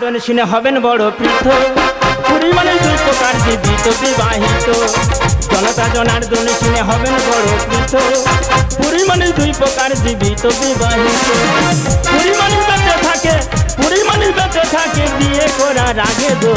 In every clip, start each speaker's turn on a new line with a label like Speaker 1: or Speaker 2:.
Speaker 1: জনার্দন শুনে হবেন বড় পৃথ, পুরী মানে দুই প্রকার জীবিত বিবাহিত। জনতা জনার্দন শুনে হবেন বড় পৃথ, পুরী মানে দুই প্রকার জীবিত বিবাহিত। পুরী মানে বেঁচে থাকে, পুরী মানে বেঁচে থাকে বিয়ে করার আগে দো।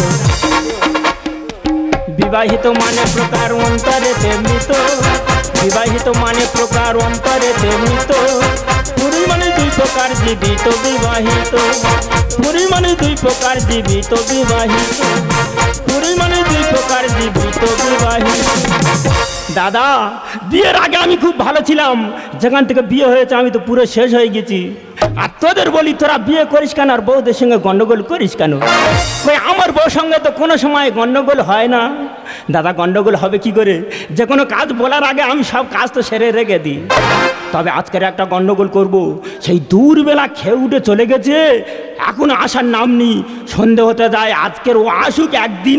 Speaker 1: বিবাহিত মানে প্রকার অন্তরেতে মৃত, বিবাহিত মানে প্রকার অন্তরেতে মৃত। পুরী মানে দুই প্রকার জীবিত বিবাহিত, পুরী মানে দুই প্রকার জীবিত বিবাহিত, পুরী মানে দুই প্রকার জীবিত বিবাহিত। দাদা, বিয়ের আগে আমি খুব ভালো ছিলাম, যেখান থেকে বিয়ে হয়েছে আমি তো পুরো শেষ হয়ে গেছি। আর তোদের বলি, তোরা বিয়ে করিস কেন আর বউদের সঙ্গে গন্ডগোল করিস কেন? ওই আমার বউর সঙ্গে তো কোনো সময় গন্ডগোল হয় না। দাদা, গন্ডগোল হবে কি করে? যে কোনো কাজ বলার আগে আমি সব কাজ তো সেরে রেখে দিই। তবে আজকের একটা গন্ডগোল করব। সেই দূরবেলা খেয়ে উঠে চলে গেছে, এখনো আসার নাম নেই। সন্ধে হতে যায়, আজকের ও আসুক একদিন।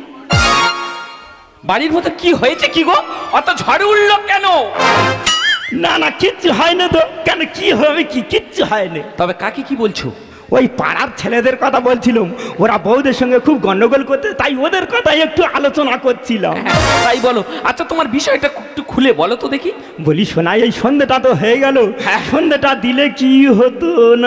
Speaker 2: বাড়ির মধ্যে কি হয়েছে কি গো? অত ঝড় উঠলো কেন?
Speaker 1: না না, কিচ্ছু হয় না তো। কেন, কি হবে? কি কিচ্ছু হয়নি।
Speaker 2: তবে কাকে কি বলছো?
Speaker 1: ওই পাড়ার ছেলেদের কথা বলছিলাম, ওরা বউদের সঙ্গে খুব গন্ডগোল করতে, তাই ওদের কথাই একটু আলোচনা করছিলাম।
Speaker 2: তাই বলো। আচ্ছা, তোমার বিষয়টা একটু খুলে বলো তো দেখি।
Speaker 1: বলি শোনা, এই সন্ধ্যেটা তো হয়ে গেল, সন্ধ্যেটা দিলে কি হতো না?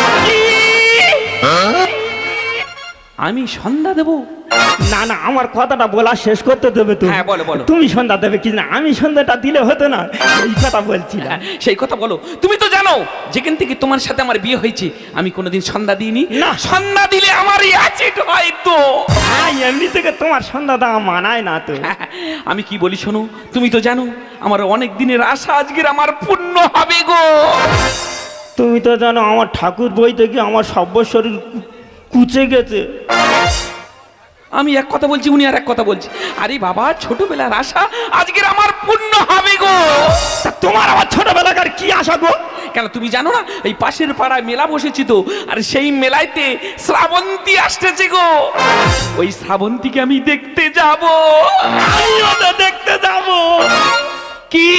Speaker 2: আমি সন্ধ্যা দেবো?
Speaker 1: না না, আমার কথাটা বলা শেষ করতে দেবে তো।
Speaker 2: হ্যাঁ, বলো বলো।
Speaker 1: তুমি সন্ধ্যা দেবে কি না? আমি সন্ধ্যাটা দিলে হতো না, এই কথা বলছিলাম।
Speaker 2: সেই কথা বলো। তুমি তো জানো যেখান থেকে তোমার সাথে আমার বিয়ে হয়েছে আমি কোনোদিন সন্ধ্যা দিইনি।
Speaker 1: না,
Speaker 2: সন্ধ্যা দিলে আমার অ্যাসিড হয় তো।
Speaker 1: হ্যাঁ, এমনি থেকে তোমার সন্ধ্যা দেওয়া মানায় না তো।
Speaker 2: আমি কি বলি শোনো, তুমি তো জানো আমার অনেক দিনের আশা আজকের আমার পূর্ণ হবে গো।
Speaker 1: তুমি তো জানো আমার ঠাকুর বই থেকে আমার সব্য শরীর কুচে গেছে।
Speaker 2: আমি এক কথা বলছি, উনি আর এক কথা বলছি। আরে বাবা, ছোটবেলার আশা আজকের আমার পূর্ণ হবে গো।
Speaker 1: তা তোমার আমার ছোটবেলাকার কি আশা গো?
Speaker 2: কেন তুমি জানো না, এই পাশের পাড়ায় মেলা বসেছি তো, আর সেই মেলাইতে শ্রাবন্তী আসতেছে গো। ওই শ্রাবন্তীকে আমি দেখতে যাব।
Speaker 1: আমিও তো দেখতে যাব।
Speaker 2: কি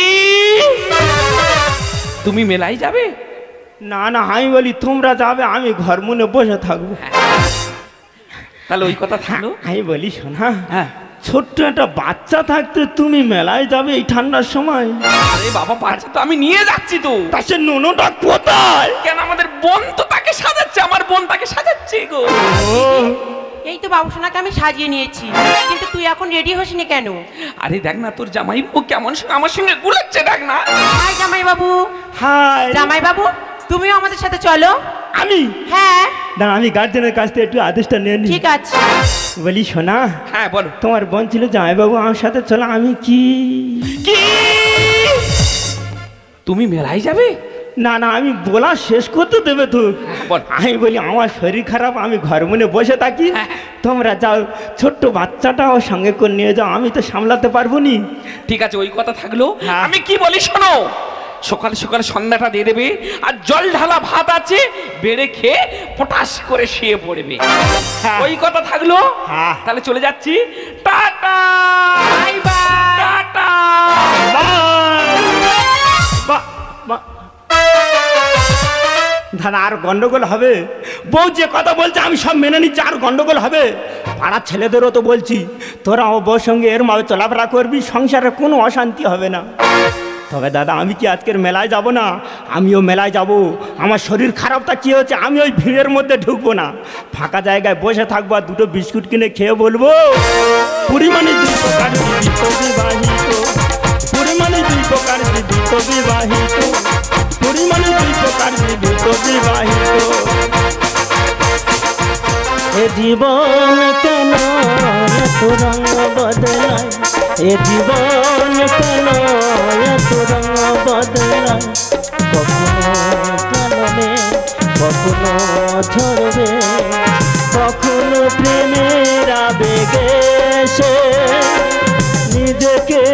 Speaker 2: তুমি মেলায় যাবে?
Speaker 1: না না, আমি বলি তোমরা যাবে, আমি ঘর মনে বসে থাকবো।
Speaker 2: তাহলে ওই কথা থাকলো।
Speaker 1: আমি বলি শোনা,
Speaker 2: হ্যাঁ,
Speaker 1: ছোট্ট একটা বাচ্চা থাকতে তুমি মেলায় যাবে এই ঠান্ডার সময়?
Speaker 2: আরে বাবা, বাচ্চা তো আমি নিয়ে যাচ্ছি তো।
Speaker 1: তা সে নুনুটা কোথায়?
Speaker 2: কেন, আমাদের বোন তো তাকে সাজাচ্ছে, আমার বোন তাকে সাজাচ্ছে গো।
Speaker 1: ও,
Speaker 3: এই তো বাবুসোনাকে আমি সাজিয়ে নিয়েছি, কিন্তু তুই এখন রেডি হসনি কেন?
Speaker 2: আরে দেখ না, তোর জামাই বাবু কেমন আমার সঙ্গে গুলাচ্ছে, দেখ না।
Speaker 3: হাই জামাই বাবু।
Speaker 1: হাই
Speaker 3: জামাই বাবু, তুমিও আমাদের সাথে চলো।
Speaker 1: আমি?
Speaker 3: হ্যাঁ,
Speaker 1: দাঁড়া, আমি গার্জেনের কাছ থেকে একটু আদেশটা নিয়ে নি।
Speaker 3: ঠিক আছে।
Speaker 1: বলি শোনা,
Speaker 2: হ্যাঁ বলো।
Speaker 1: তোমার বোন ছিল জামাইবাবু আমার সাথে চলো। আমি কি
Speaker 2: কি তুমি মেলায় যাবে?
Speaker 1: না না, আমি বলা শেষ করতে দেবে তো।
Speaker 2: বল।
Speaker 1: আমি বলি আমার শরীর খারাপ, আমি ঘর মনে বসে থাকি, তোমরা যাও, ছোট্ট বাচ্চাটাও সঙ্গে করে নিয়ে যাও, আমি তো সামলাতে পারবো নি।
Speaker 2: ঠিক আছে, ওই কথা থাকলো।
Speaker 1: হ্যাঁ।
Speaker 2: আমি কি বলি শোনো, সকালে সকালে সন্ধ্যাটা দিয়ে দেবে, আর জল ঢালা ভাত আছে, বেড়ে খেয়ে পটাশ করে শুয়ে পড়বে।
Speaker 1: হ্যাঁ।
Speaker 2: ওই কথা থাকলো।
Speaker 1: হ্যাঁ।
Speaker 2: তাহলে চলে যাচ্ছি। Tata,
Speaker 3: bye bye.
Speaker 2: টাটা।
Speaker 1: দাদা, আর গন্ডগোল হবে? বউ যে কথা বলছে আমি সব মেনে নিচ্ছি, আর গন্ডগোল হবে? পাড়ার ছেলেদেরও তো বলছি, তোরা ও বউর সঙ্গে এর মাঝে চলাফেরা করবি, সংসারে কোনো অশান্তি হবে না। তবে দাদা, আমি কি আজকের মেলায় যাব না? আমিও মেলায় যাব। আমার শরীর খারাপটা কী হচ্ছে, আমি ওই ভিড়ের মধ্যে ঢুকবো না, ফাঁকা জায়গায় বসে থাকবো, আর দুটো বিস্কুট কিনে খেয়ে বলবো পরিমাণে দুই প্রকার জীবিত বিবাহিত, পরিমাণে দুই প্রকার জীবিত বিবাহিত, পরিমাণে দুই প্রকার জীবিত বিবাহিত। এ জীবন কেন এত রঙ বদলায়, এ জীবন কেন এত রঙ বদলায়, কখনো কালনে কখনো ঝরবে, কখনো প্রেমের আবেগে সে নিজেকে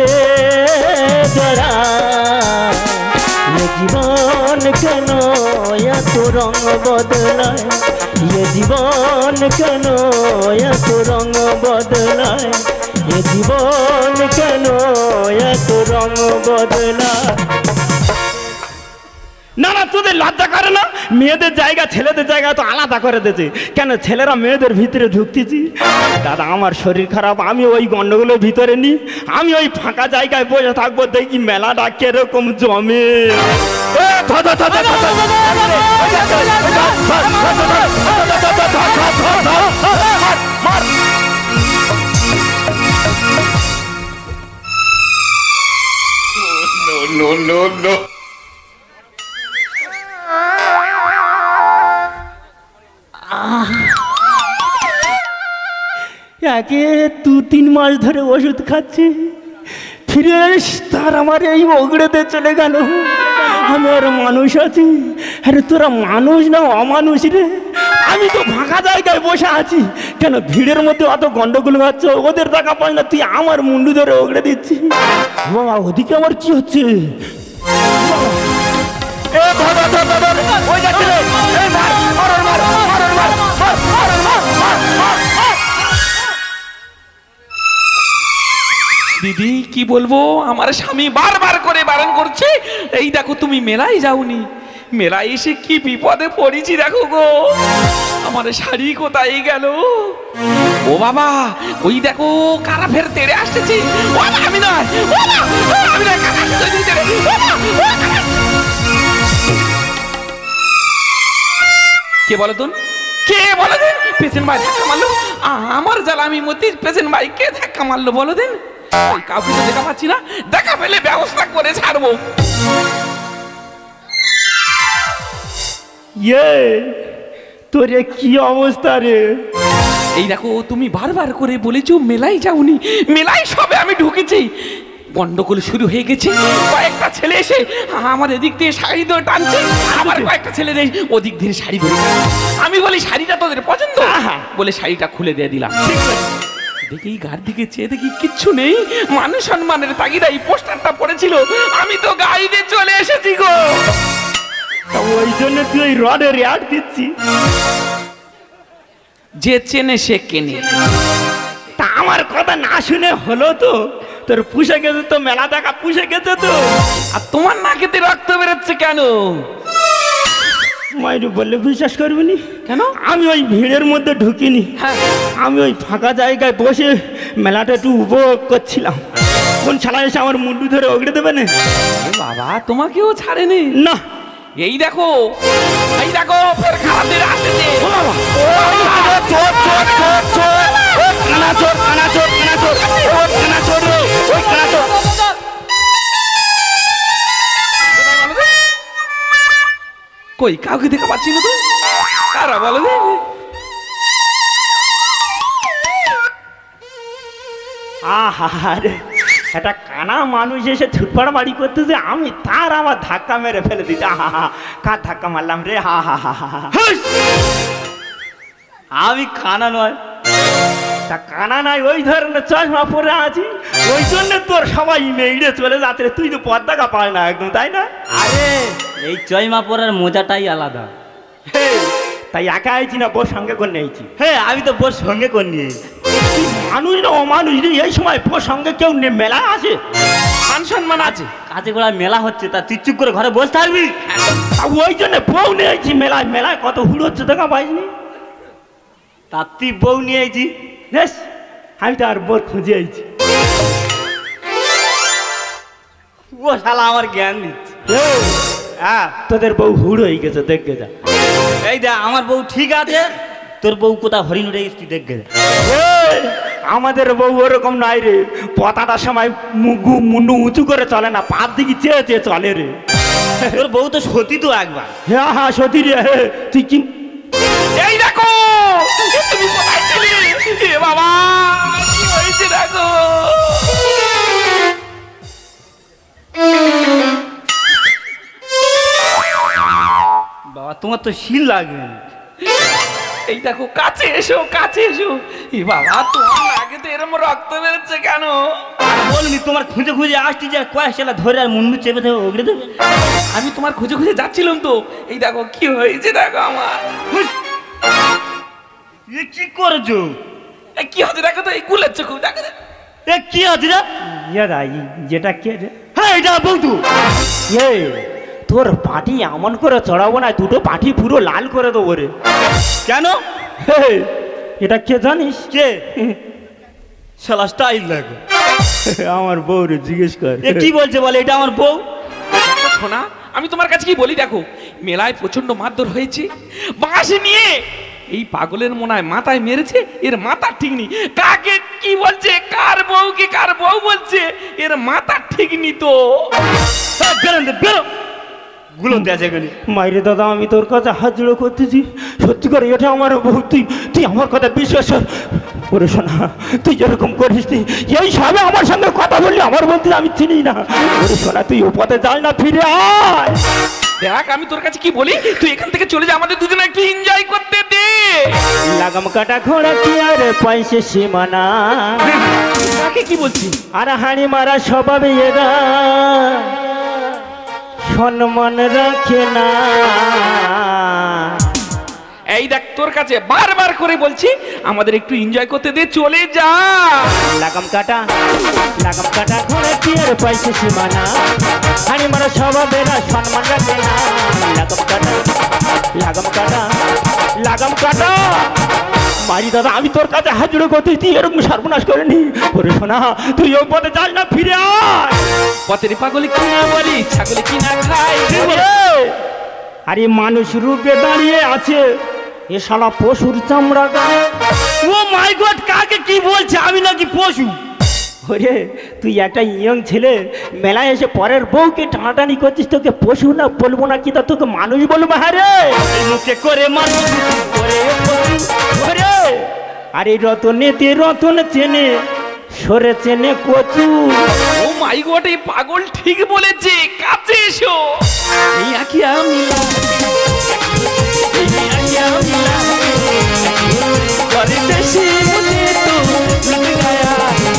Speaker 1: জড়ায়। এ জীবন কেন এত রঙ বদলায়, এ জীবন কেন এত রঙ বদলায়, এ জীবন কেন এত রঙ বদলায়। না না, তোদের লজ্জা করে না? মেয়েদের জায়গা ছেলেদের জায়গা তো আলাদা করে দিয়েছে কেন? ছেলেরা মেয়েদের ভিতরে ঢুকতেছি। দাদা আমার শরীর খারাপ, আমি ওই গন্ডগোলের ভিতরে নি, আমি ওই ফাঁকা জায়গায় বসে থাকবো, দেখি মেলাটা কিরকম জমে। একে 2-3 মাস ধরে ওষুধ খাচ্ছি, ফিরে তার আমার এই ওগড়েতে চলে গেল। আমি আর মানুষ আছি? আরে তোরা মানুষ না অমানুষ রে? আমি তো ফাঁকা জায়গায় বসে আছি, কেন ভিড়ের মধ্যে অত গন্ডগোল হচ্ছে? ওদের টাকা পাই না, তুই আমার মুন্ডু ধরে ওগড়ে দিচ্ছি। বাবা ওদিকে আমার কি হচ্ছে?
Speaker 2: দিদি কি বলবো, আমার স্বামী বারবার করে বারণ করছে। এই দেখো তুমি মেলায় যাওনি, মেলায় এসে কি বিপদে পড়েছি দেখো গো। আমার শাড়ি কোথায় গেল? ও বাবা, ওই দেখো কারা ফের তেড়ে আসতেছে। ও বাবা, আমি নয়, ও বাবা, আমি নয়, কারা আসতেছে তেড়ে। ও বাবা, ও কারা। কে বলো তো, কে বলো দেন? পেশেন্ট ভাই ধাক্কা মারলো, আমার জ্বালা আমি মতি। পেশেন্ট ভাই কে ধাক্কা মারলো বলো দেন? ওই কাউকে তো দেখা পাচ্ছি না, দেখা পেলে ব্যবস্থা করে ছাড়বো।
Speaker 1: তোর কি অবস্থা রে?
Speaker 2: এই দেখো তুমি বারবার করে বলেছো মেলায় যাওনি, মেলায় সবে আমি ঢুকেছি, গন্ডগোল শুরু হয়ে গেছে। কয়েকটা ছেলে এসে আমার এদিক দিয়ে শাড়ি ধরে টানছে, আবার কয়েকটা ছেলে ওদিক দিয়ে শাড়ি ধরে। আমি বলি শাড়িটা তোদের পছন্দ, বলে শাড়িটা খুলে দিয়ে দিলাম। দেখি গার দিকে চেয়ে দেখি কিচ্ছু নেই, মানুষ সম্মানের তাগিদা এই পোস্টারটা পড়েছিল। আমি তো গাড়িতে চলে এসেছি গো।
Speaker 1: ওই জন্য তুই ওই রডের রেয়ার দিচ্ছি।
Speaker 2: যে চেনে সে কেনে।
Speaker 1: তা আমার কথা না শুনে হলো তো? তোর পুষে গেছে তো, মেলা দেখা পুষে গেছে তো।
Speaker 2: আর তোমার নাকেতে রক্ত বেরোচ্ছে কেন?
Speaker 1: মাইরু বললে বিশ্বাস করবি নি।
Speaker 2: কেন?
Speaker 1: আমি ওই ভিড়ের মধ্যে ঢুকিনি,
Speaker 2: হ্যাঁ,
Speaker 1: আমি ওই ফাঁকা জায়গায় বসে মেলাটা একটু উপভোগ করছিলাম। কোন ছাড়া এসে আমার মুন্ডু ধরে ওগড়ে দেবে না?
Speaker 2: বাবা তোমাকেও ছাড়েনি
Speaker 1: না।
Speaker 2: এই দেখো, এই দেখো ফের খারাপদের আসতেছে।
Speaker 1: ও বাবা, চোর চোর চোর চোর, কানা চোর কানা চোর কানা চোর, ও কানা চোর রে, ওই কানা চোর।
Speaker 2: কই কাউকে দেখা পাচ্ছি না তো, কারা বলো রে?
Speaker 1: আহারে, একটা কানা মানুষ এসে ছুটপাড়া বাড়ি করতেছে, আমি তার আবার ধাক্কা মেরে ফেলে দিচ্ছি। আহা হা, কার ধাক্কা মারলাম রে? হা হা হা হা। আমি কানা নয়। তা কানা নাই, ওই ধরনের চশমা পরে আছি, ওই জন্য তোর সবাই মেয়েড়ে চলে যাচ্ছে রে। তুই তো পর্দাকা পায় না একদম, তাই না?
Speaker 4: আরে এই চয়মা পরার মজাটাই আলাদা।
Speaker 1: হে, তাই একা আইছি না বোর সঙ্গে করে নিয়েছি?
Speaker 4: হ্যাঁ আমি তো বোর সঙ্গে করে নিয়ে
Speaker 1: মানুষ না অমানুষ রে, এই সময় বোর সঙ্গে কেউ মেলায় আসে?
Speaker 2: মান সম্মান আছে।
Speaker 4: কাজে গোড়া মেলা হচ্ছে, তা তুই চুপ করে ঘরে বসে থাকবি।
Speaker 1: ওই জন্য বউ নিয়েছি মেলায়। মেলায় কত হুড় হচ্ছে দেখা পাইনি?
Speaker 4: তা তুই বউ নিয়ে আইছি।
Speaker 1: বেশ, আমি তো আর বোর খুঁজে আইছি।
Speaker 4: ও শালা আমার জ্ঞান দিচ্ছে।
Speaker 1: হ্যাঁ, তোদের বউ হুড় হয়ে গেছে, দেখে যা।
Speaker 4: এই দেখ আমার বউ ঠিক আছে, তোর বউ কোথা হরিণ উঠে গেছিস তুই দেখবে।
Speaker 1: এই, আমাদের বউ ওরকম নাই রে। পতাটার সময় মুন্ডু উঁচু করে চলে না, পাত দিকে চেয়ে চেয়ে চলে রে।
Speaker 4: তোর বউ তো সতী তো একবার।
Speaker 1: হ্যাঁ হ্যাঁ সতী রে। হে, তুই কি?
Speaker 2: এই দেখো, এ তুমি কোথায় ছিলে? এ বাবা কি হয়েছে দেখো।
Speaker 4: বাবা তোমার তো শিল লাগবে।
Speaker 2: এই দেখো কাছে এসো, কাছে এসো। এ বাবা তোমার নাকে তো এরকম রক্ত বেরোচ্ছে কেন?
Speaker 4: বলনি তোমার খুঁজে খুঁজে আসছি যে কয়েক শালা ধরে আর মুন্ডু চেপে দেবে ওগড়ে দেবে।
Speaker 2: আমি তোমার খুঁজে খুঁজে যাচ্ছিলাম তো। এই দেখো কি হয়েছে দেখো আমার।
Speaker 4: এ কি করেছো?
Speaker 2: এ কি হচ্ছে দেখো তো, এই গুলের চোখ দেখো তো।
Speaker 4: এ কি আছে রে?
Speaker 1: ইয়ে রাই, যেটা কে রে?
Speaker 4: হ্যাঁ এটা বউ তো।
Speaker 1: এ তো তোর পাটি এমন করে চড়াবো না, দুটো পাটি পুরো লাল করে দেবো রে।
Speaker 4: কেন?
Speaker 1: হে, এটা কে জানিস?
Speaker 4: কে? শালা স্টাইল দেখো।
Speaker 1: আমার বউ রে, জিজ্ঞেস কর।
Speaker 4: এ কি বলছে বলে, এটা আমার বউ?
Speaker 2: শোনা, আমি তোমার কাছে কি বলি দেখো, মেলায় প্রচন্ড মারধর হয়েছে, বাঁশি নিয়ে এই পাগলের মনায় মাথায় মেরেছে, এর মাথা ঠিক নেই। কাকে কি বলছে, কার বউকে কার বউ বলছে, এর মাথা ঠিক নি তো।
Speaker 4: বেরোন দে, বেরো। গুলো দেছে এখানে।
Speaker 1: মাইরে দাদা, আমি তোর কাছে হাত জোড়ো করতেছি, সত্যি করে এটা আমার বউ, তুই আমার কথা বিশ্বাস কর। ওরে শোনা, তুই যেরকম করিস নি, এই সবে আমার সঙ্গে কথা বললি, আমার বলতে আমি চিনি না। ওরে শোনা, তুই ও পথে যাস না, ফিরে আয়।
Speaker 2: দেখ আমি তোর কাছে কি বলি, তুই এখান থেকে চলে যা, আমাদের দুজনে একটু এনজয় করতে দে।
Speaker 1: লাগাম কাটা ঘোড়া কি আর পয়সে সীমানা,
Speaker 2: কাকে কি বলছি?
Speaker 1: আর হাড়ি মারা স্বভাবে এরা সম্মান রাখে না।
Speaker 2: এই দেখ তোর কাছে বারবার করে বলছি, আমাদের একটু এনজয় করতে দে, চলে যা।
Speaker 1: লাগাম কাটা ঘোড়া কি আর পয়সে সীমানা, হাড়ি মারা স্বভাবেরা সম্মান রাখে না। লাগাম কাটা মারি দাদা, আমি তোর কাছে হাজিরো করতে, তুই এরকম সর্বনাশ করেনি। ওরে শোনা, তুই ওই পথে যাস না, ফিরে আয়।
Speaker 2: পথের পাগলে কিনা বলি, ছাগলে কিনা খায়।
Speaker 1: আরে মানুষ রূপে দাঁড়িয়ে আছে, এ শালা পশুর চামড়া গায়ে।
Speaker 4: ও মাই গড, কাকে কি বলছে? আমি নাকি পশু?
Speaker 1: ওরে, তুই একটা ইয়ং ছেলে, মেলায় এসে পরের বউকে টানাটানি করছিস, তোকে পশু না বলবো না কি, তা তোকে মানুষ বলবো? হ্যাঁ রে,
Speaker 4: এই মুখে করে মারবো।
Speaker 1: ওরে পশু, ওরে। আরে রতনেতে রতন চেনে, সরে চেনে কচু।
Speaker 2: ও মাই গড, এই পাগল ঠিক বলেছে, কাছে এসো। এই আকি আমি করে দেশে মনে তো লুট গায়া।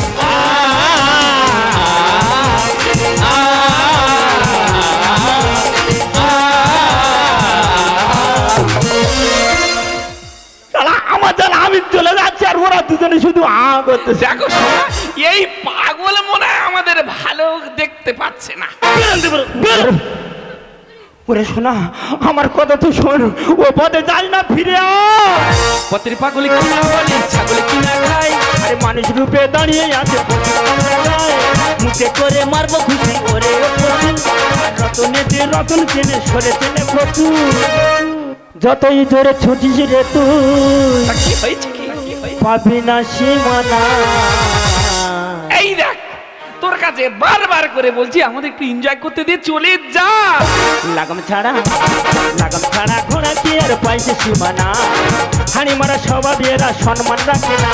Speaker 1: শালা আমার জান, আমি চলে যাচ্ছি, আর ওরা দুজনে শুধু করতেছে।
Speaker 2: দেখো শোনা, এই পাগল মনে হয় আমাদের ভালো দেখতে পাচ্ছে না।
Speaker 4: বেরোন দে, বেরো, বেরো।
Speaker 1: ওরে শোনা, আমার কথা তো শোন, ও পথে যাই না, ফিরে আয়।
Speaker 2: পথের পাগলে কিনা বলি, ছাগলে কিনা খায়।
Speaker 1: আরে মানুষ রূপে দাঁড়িয়ে আছে, মুখে করে মারবো খুশি। ওরে রতনেতে রতন চেনে, সরে চেনে কচু। যতই ধরে ছুটিস রে তুই,
Speaker 2: তা কি হয়েছে, কি হয়েছে?
Speaker 1: পাবি না সীমানা।
Speaker 2: এই দেখ তোর কাছে বারবার করে বলছি, আমাদের একটু এনজয় করতে দে, চলে যা।
Speaker 1: লাগাম ছাড়া ঘোড়া কি আর পয়সা সীমানা, হাড়ি মারা স্বভাবেরা সম্মান রাখে না।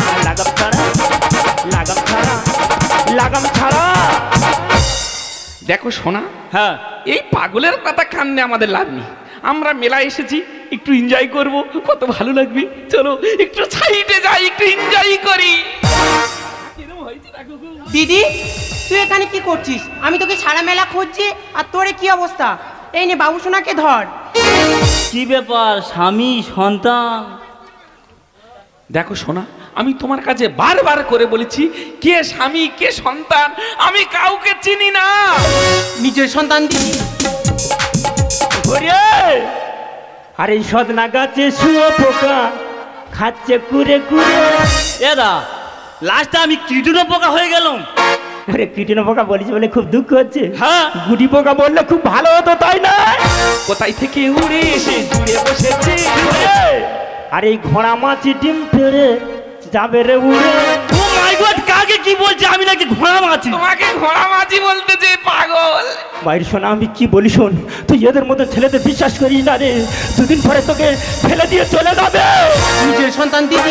Speaker 1: লাগাম ছাড়া।
Speaker 2: দেখো শোনা,
Speaker 4: হ্যাঁ,
Speaker 2: এই পাগলের কথা কান্নে আমাদের লাভ নেই। আমরা মেলায় এসেছি, একটু এনজয় করব, কত ভালো লাগবে। চলো একটু সাইডে যাই, একটু এনজয় করি।
Speaker 3: দিদি, তুই এখানে কি করছিস? আমি তোকে সারা মেলা খুঁজছি, আর তোর কি অবস্থা? এই নে বাবু সোনাকে ধর।
Speaker 4: কি ব্যাপার, স্বামী সন্তান?
Speaker 2: দেখো শোনা, আমি তোমার কাছে বারবার করে বলেছি, কে স্বামী কে সন্তান আমি কাউকে চিনি না।
Speaker 3: নিজের সন্তান দিদি।
Speaker 1: ওরে, আরে সদনা গাছে শুয়ে পোকা খাচ্ছে কুরে কুরে।
Speaker 4: এদা, লাস্টে আমি কিডুনো পোকা হয়ে গেলাম।
Speaker 1: আরে কীটনা পোকা বলিস বলে খুব দুঃখ হচ্ছে।
Speaker 4: হ্যাঁ,
Speaker 1: গুটি পোকা বললে খুব ভালো হতো, তাই না?
Speaker 2: কোথায় থেকে উড়ে এসে জুড়ে বসেছে।
Speaker 1: আরে এই ঘোড়া মাছি ডিম পেড়ে যাবে রে উড়ে।
Speaker 4: ও মাই গড, কাকে কি বলছে? আমি নাকি ঘোড়া মাছি?
Speaker 2: তোমাকে ঘোড়া মাঝি বলতেছে, পাগল।
Speaker 1: বাইর শোনা, আমি কি বলি শোন, তুই এদের মতো ছেলেদের বিশ্বাস করিস না রে, দুদিন পরে তোকে ফেলে দিয়ে চলে যাবে।
Speaker 3: নিজের সন্তান দিদি।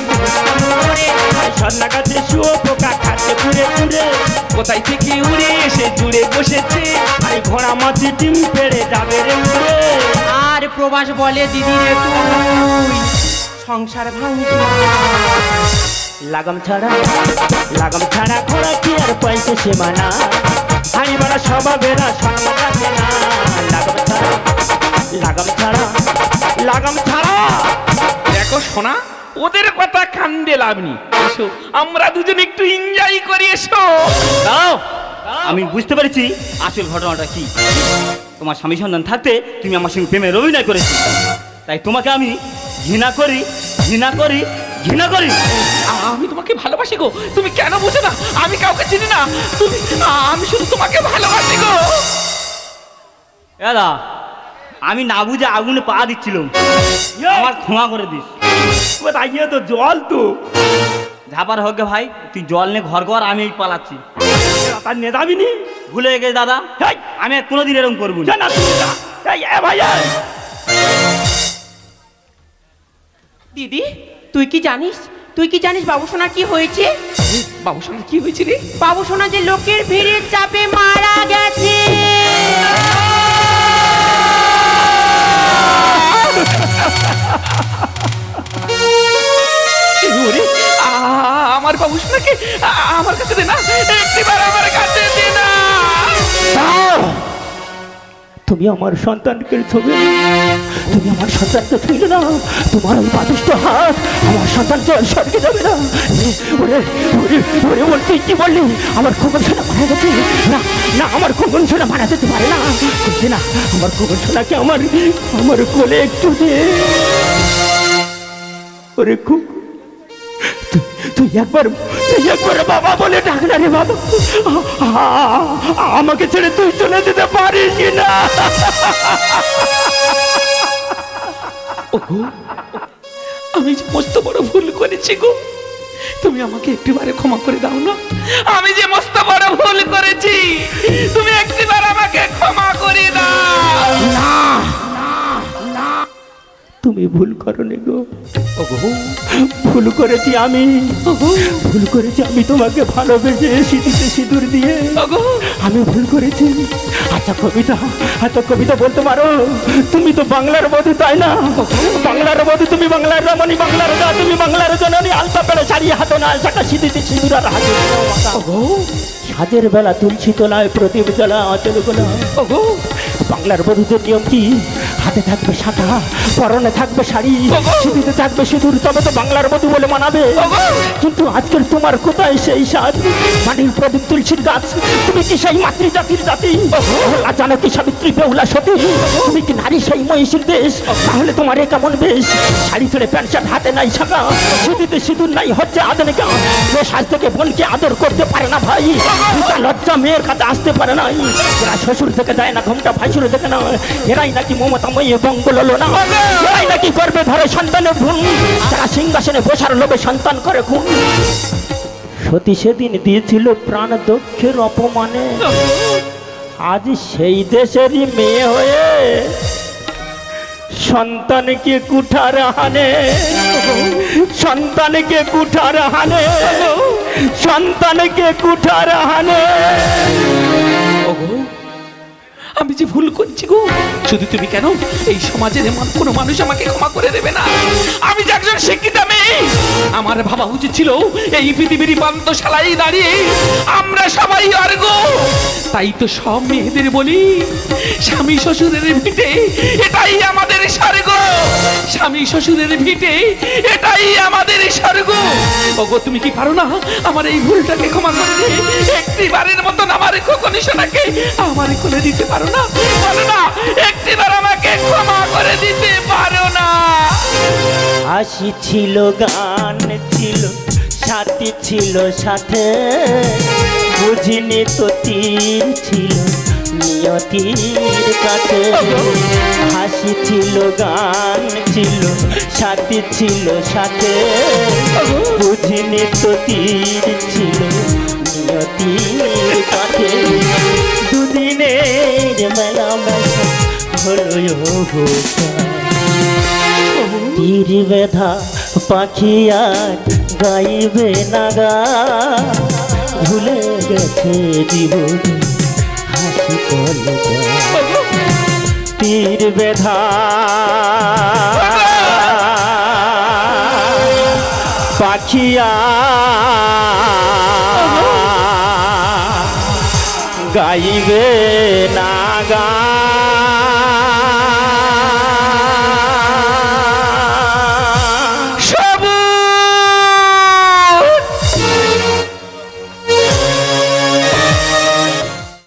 Speaker 1: সদনা গাছে শুয়ে পোকা খাচ্ছে কুরে কুরে।
Speaker 2: কোথায় থেকে উড়ে এসে জুড়ে বসেছে।
Speaker 1: আরে ঘোড়া মাছি ডিম পেড়ে যাবে রে উড়ে।
Speaker 3: আর প্রবাস বলে দিদি রে তুই সংসার ভাঙছি।
Speaker 1: লাগাম ছাড়া ঘোড়া কি আর পয়সা সীমানা, হাড়ি মারা স্বভাবেরা সম্মান রাখে না। লাগাম ছাড়া।
Speaker 2: দেখো শোনা, ওদের কথা কান্দে লাভ নেই। এসো আমরা দুজন একটু এনজয় করি, এসো।
Speaker 4: দাও, আমি বুঝতে পেরেছি আসল ঘটনাটা কি। তোমার স্বামী সন্তান থাকতে তুমি আমার সঙ্গে প্রেমের অভিনয় করেছো, তাই তোমাকে আমি ঘৃণা করি, ঘৃণা করি, ঘৃণা করি।
Speaker 2: আমি তোমাকে ভালোবাসি গো, তুমি কেন বুঝো না? আমি কাউকে চিনি না, তুমি আমি শুধু তোমাকে ভালোবাসি গো।
Speaker 4: দাদা আমি না বুঝে আগুনে পা দিচ্ছিলাম, আমার ক্ষমা করে দিস।
Speaker 1: তাইয়ে তো জল তো
Speaker 4: ঝাপার হোক গে ভাই, তুই জল নিয়ে ঘর ঘর, আমি এই পালাচ্ছি।
Speaker 1: তার নেদাবিনি
Speaker 4: ভুলে গেছে দাদা,
Speaker 1: হেই,
Speaker 4: আমি আর কোনোদিন এরকম করবো না।
Speaker 1: জানা তুই না। এই, এ ভাই এই।
Speaker 3: দিদি তুই কি জানিস, তুই কি জানিস বাবুসোনার কি হয়েছে?
Speaker 2: বাবু সঙ্গে কি হয়েছে রে?
Speaker 3: বাবুসোনা যে লোকের ভিড়ের চাপে মারা গেছে।
Speaker 2: ওরে, আমার বাবু শোনাকে আমার কাছে দে না, একটিবার আমার কাছে দে না।
Speaker 1: তুমি আমার সন্তানকে ছবি, তুমি আমার সন্তানকে ছুঁলে না, তোমার ওই বাদিষ্ট হাত আমার সন্তান জল সরকে যাবে না। ওরে ওরে ওরে ওর তুই কি বললি? আমার খোকন সোনা মারা গেছে? না না, আমার খোকন সোনা মারা যেতে পারে না, করছে না। আমার খোকন সোনাকে আমার আমার কোলে একটু দে। ওরে খুব তুই একবার বাবা বলে ডাক না রে বাবা। আমাকে ছেড়ে তুই চলে যেতে পারিস কি না?
Speaker 2: ওগো, আমি যে মস্ত বড় ভুল করেছি গো, তুমি আমাকে একটিবারে ক্ষমা করে দাও না। আমি যে মস্ত বড় ভুল করেছি, তুমি একটিবার আমাকে ক্ষমা করে দাও।
Speaker 1: না না, তুমি ভুল করনি গো।
Speaker 2: ওগো,
Speaker 1: ভুল করেছি আমি, ভুল করেছি আমি তোমাকে ভালোবেসে সিঁথিতে সিঁদুর দিয়ে
Speaker 2: ওগো,
Speaker 1: আমি ভুল করেছি। আচ্ছা কবিতা বলতে পারো? তুমি তো বাংলার বধূ তাই না? বাংলার বধূ তুমি, বাংলার রমণী, বাংলার রাজা তুমি, বাংলার জননী। আলতা পেড়ে শাড়ি হাতে না শাখা সিঁথিতে সিঁদুর আর হাতে
Speaker 2: ওগো,
Speaker 1: সাজের বেলা তুলসী তোলায় প্রদীপ জ্বলা আচল গোলা।
Speaker 2: ওগো,
Speaker 1: বাংলার বধূদের নিয়ম কি? হাতে থাকবে শাখা, পরনে থাকবে শাড়ি, সিঁথিতে থাকবে সিঁদুর, তবে তো বাংলার বধূ বলে মানাবে। কিন্তু আজকের তোমার কোথায় সেই সাজ? মাটির প্রদীপ তুলসীর গাছ। তুমি কি সেই মাতৃজাতির জাতি? জানো কি সাবিত্রী বেহুলা সতী? তুমি কি নারী সেই মহিষীর দেশ? তাহলে তোমার এ কেমন বেশ? শাড়ি ছেড়ে প্যান্ট শার্ট, হাতে নাই শাখা, সিঁথিতে সিঁদুর নাই, হচ্ছে আধুনিকা। যে সাজ থেকে বোনকে আদর করতে পারে না ভাই, লজ্জা মেয়ের কাছে আসতে পারে না। এরা শ্বশুর থেকে যায় না, ঘুমটা ভাইসুর থেকে না, এরাই নাকি মমতাময়ী বঙ্গল না, এরাই নাকি করবে ধরে সন্তানের ভ্রূণ, যারা সিংহাসনে বসার লোভে সন্তান করে খুন। সতী সেদিন দিয়েছিল প্রাণ দক্ষের অপমানে, আজ সেই দেশেরই মেয়ে হয়ে সন্তানকে কুঠার হানে, সন্তানকে কুঠার হানে, সন্তানকে কুঠার হানে।
Speaker 2: ওগো, আমি যে ভুল করছি গো, শুধু তুমি কেন, এই সমাজের এমন কোনো মানুষ আমাকে ক্ষমা করে দেবে না। আমি যে একজন শিক্ষিত মেয়ে, আমার ভাবা উচিত ছিল এই পৃথিবীর পান্তশালায় দাঁড়িয়ে আমরা সবাই অর্গ। তাই তো সব মেয়েদের বলি, স্বামী শ্বশুরের ভিটে এটাই আমাদের স্বর্গ, স্বামী শ্বশুরের ভিটে এটাই আমাদের স্বর্গ। ওগো, তুমি কি পারো না আমার এই ভুলটাকে ক্ষমা করে দিয়ে একটিবারের মতন আমার খোকনি সোনাকে আমার কোলে দিতে পারো না? পারো না? একটিবার আমাকে ক্ষমা করে দিতে পারো না?
Speaker 1: হাসি ছিল, গান ছিল, সাথী ছিল সাথে, বুঝিনি তো তীর ছিল নিয়তির কাছে। হাসি ছিল, গান ছিল, সাথী ছিল সাথে, বুঝিনি তো তীর ছিল নিয়তির কাছে। দুদিনের মেলা মেলা হলো তীর বেধা পাখি আর গাইবে না গা, ভুলে গেছে জীবন হাসি কলকা। তীর বেধা পাখি গাইবে না গা।